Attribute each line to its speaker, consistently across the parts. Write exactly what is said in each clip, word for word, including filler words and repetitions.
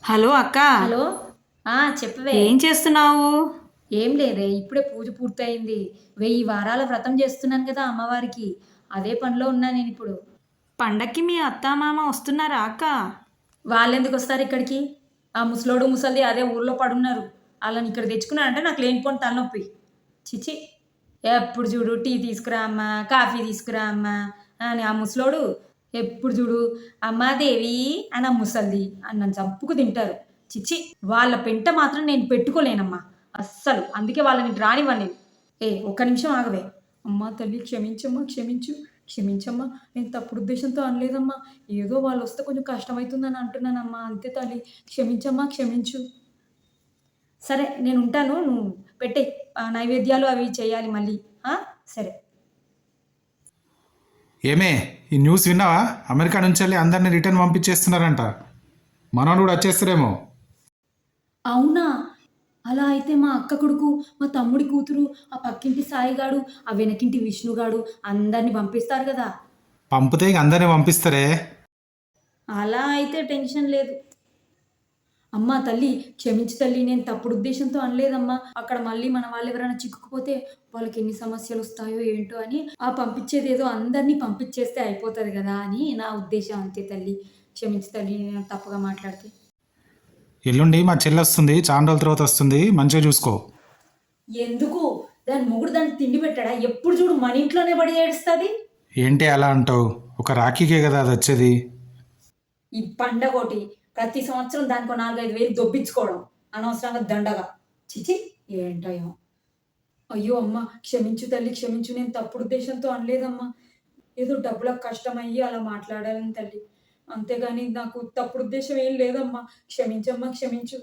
Speaker 1: Hello అక్క.
Speaker 2: Hello. ఆ! చెప్పవే.
Speaker 1: ఏం చేస్తున్నావు?
Speaker 2: ఏం లేదే. ఇప్పుడే పూజ పూర్తయింది. వెయ్యి వారాల వ్రతం చేస్తున్నాను కదా అమ్మవారికి. అదే పనిలో ఉన్నా నేనిప్పుడు.
Speaker 1: పండక్కి మీ అత్తామామ వస్తున్నారా అక్క?
Speaker 2: వాళ్ళెందుకొస్తారు ఇక్కడికి? ఆ ముసలోడు, ముసలిది అదే ఊర్లో పడున్నారు. ఆళ్ళని ఇక్కడ తెచ్చుకున్నానంటే నాకు లేనిపోని తలనొప్పి. ఛీ! ఎప్పుడు చూడు టీ తీసుకురా అమ్మా, కాఫీ తీసుకురా అమ్మా అని ఆ ముసలోడు ఎప్పుడు చూడు అమ్మా దేవి అని ఆ ముసలిది అని నన్ను చంపుకు తింటారు. చిచ్చి! వాళ్ళ పెంట మాత్రం నేను పెట్టుకోలేనమ్మా అస్సలు. అందుకే వాళ్ళని రానివ్వను నేను. ఏ ఒక్క నిమిషం ఆగవే. అమ్మా తల్లి క్షమించమ్మా, క్షమించు. క్షమించమ్మా. నేను తప్పుడు ఉద్దేశంతో అనలేదమ్మా. ఏదో వాళ్ళొస్తే కొంచెం కష్టమైతుందని అంటున్నానమ్మా. అంతే తల్లి. క్షమించమ్మా, క్షమించు. సరే నేనుంటాను. నువ్వు పెట్టేయి. ఆ నైవేద్యాలు అవి చేయాలి మళ్ళీ. ఆ! సరే.
Speaker 3: ఏమే ఈ న్యూస్ విన్నావా? అమెరికా నుంచి వెళ్ళి అందరినీ రిటర్న్ పంపించేస్తున్నారంట. మనోడు కూడా వచ్చేస్తారేమో.
Speaker 2: అవునా? అలా అయితే మా అక్క కొడుకు, మా తమ్ముడి కూతురు, ఆ పక్కింటి సాయిగాడు, ఆ వెనకింటి విష్ణుగాడు అందరిని పంపిస్తారు గదా!
Speaker 3: పంపితే ఇక అందరినీ పంపిస్తారే.
Speaker 2: అలా అయితే టెన్షన్ లేదు. అమ్మా తల్లి క్షమించు తల్లి. నేను తప్పుడు ఉద్దేశంతో అనలేదమ్మా. అక్కడ మళ్ళీ మన వాళ్ళెవరైనా చిక్కుకుపోతే వాళ్ళకి ఎన్ని సమస్యలొస్తాయో ఏంటో అని ఆ పంపించేదేదో అందరినీ పంపించేస్తే అయిపోతది గదా అని నా ఉద్దేశం అంతే తల్లి. క్షమించు తల్లి నేను తప్పుగా మాట్లాడితే.
Speaker 3: ఎల్లుండి మా చెల్లి వస్తుంది, చాలా రోజుల తర్వాత వస్తుంది, మంచిగా చూసుకో.
Speaker 2: ఎందుకు? దాని మొగుడు దానికి తిండి పెట్టాడా? ఎప్పుడు చూడు మన ఇంట్లోనే పడి ఏడుస్తది.
Speaker 3: ఏంటి అలా అంటావు? ఒక రాఖీకే కదా అది వచ్చేది.
Speaker 2: ఈ పండగోటి ప్రతి సంవత్సరం దానికో నాలుగైదు వేలు దొబ్బించుకోవడం. అనవసరంగా దండగా. ఛీ! ఏంటో ఏమో. అయ్యో! అమ్మ క్షమించు తల్లి క్షమించు. నేను తప్పుడు ఉద్దేశంతో అనలేదమ్మా. ఏదో డబ్బులకు కష్టమయ్యి అలా మాట్లాడాను తల్లి. అంతేగాని నాకు తప్పుడు ఉద్దేశం ఏం లేదమ్మా. క్షమించమ్మా, క్షమించు.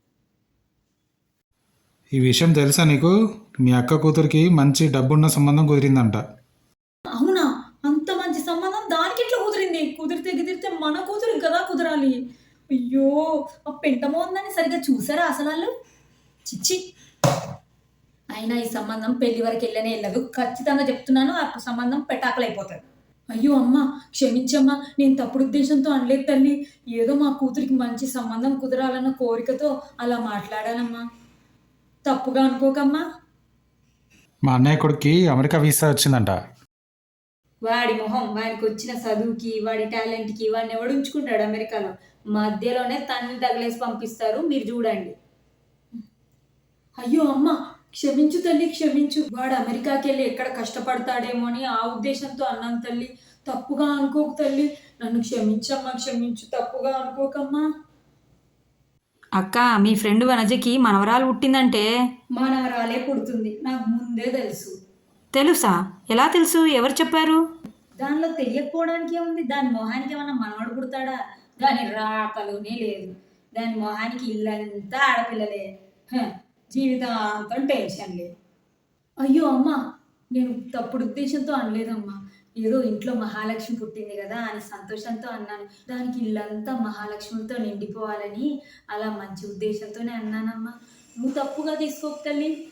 Speaker 3: ఈ విషయం తెలుసా నీకు? మీ అక్క కూతురికి మంచి డబ్బున్న సంబంధం కుదిరిందంట.
Speaker 2: అవునా? అంత మంచి సంబంధం దానికెట్లా కుదిరింది? కుదిరితే గిదిరితే మన కూతురికి కదా కుదరాలి. అయ్యో! ఆ పెంట మోందని సరిగ్గా చూసారా అసలాళ్ళు? ఛీ! అయినా ఈ సంబంధం పెళ్లి వరకు ఎళ్ళనే ఎళ్ళదు. ఖచ్చితంగా చెప్తున్నాను. ఆ సంబంధం పెటాకులైపోతది. అయ్యో! అమ్మ క్షమించమ్మా. నేను తప్పుడు ఉద్దేశంతో అనలేదు తల్లి. ఏదో మా కూతురికి మంచి సంబంధం కుదరాలన్న కోరికతో అలా మాట్లాడానమ్మా. తప్పుగా అనుకోకమ్మా.
Speaker 3: మా అన్నయ్య కొడుక్కి అమెరికా వీసా వచ్చిందంట.
Speaker 2: వాడి మొహం వాడికొచ్చిన చదువుకి, వాడి టాలెంట్‌కి వాడిని ఎవడు ఉంచుకుంటాడు అమెరికాలో. మధ్యలోనే తన్ని తగిలేసి పంపిస్తారు. మీరు చూడండి. అయ్యో! అమ్మ క్షమించు తల్లి క్షమించు. వాడు అమెరికాకెళ్ళి ఎక్కడ కష్టపడతాడేమో అని ఆ ఉద్దేశంతో అన్నాను తల్లి. తప్పుగా అనుకోకు తల్లి. నన్ను క్షమించమ్మా క్షమించు. తప్పుగా అనుకోకమ్మా.
Speaker 1: అక్క మీ ఫ్రెండ్ వనజకి మనవరాలు పుట్టిందంటే.
Speaker 2: మానవరాలే పుడుతుంది. నాకు ముందే తెలుసు.
Speaker 1: తెలుసా? ఎలా తెలుసు? ఎవరు చెప్పారు?
Speaker 2: దానిలో తెలియకపోవడానికి ఏముంది? దాని మొహానికి ఏమన్నా మనవడు పుడతాడా? దాని రాకలోనే లేదు. దాని మొహానికి ఇల్లంతా ఆడపిల్లలే. హ! జీవితాంతం టెన్షన్‌లే. అయ్యో! అమ్మ నేను తప్పుడు ఉద్దేశంతో అనలేదమ్మా. ఏదో ఇంట్లో మహాలక్ష్మి పుట్టింది గదా అని సంతోషంతో అన్నాను. దానికి ఇల్లంతా మహాలక్ష్ములతో నిండిపోవాలని అలా మంచి ఉద్దేశంతోనే అన్నానమ్మా. నువ్వు తప్పుగా తీసుకోకు తల్లి.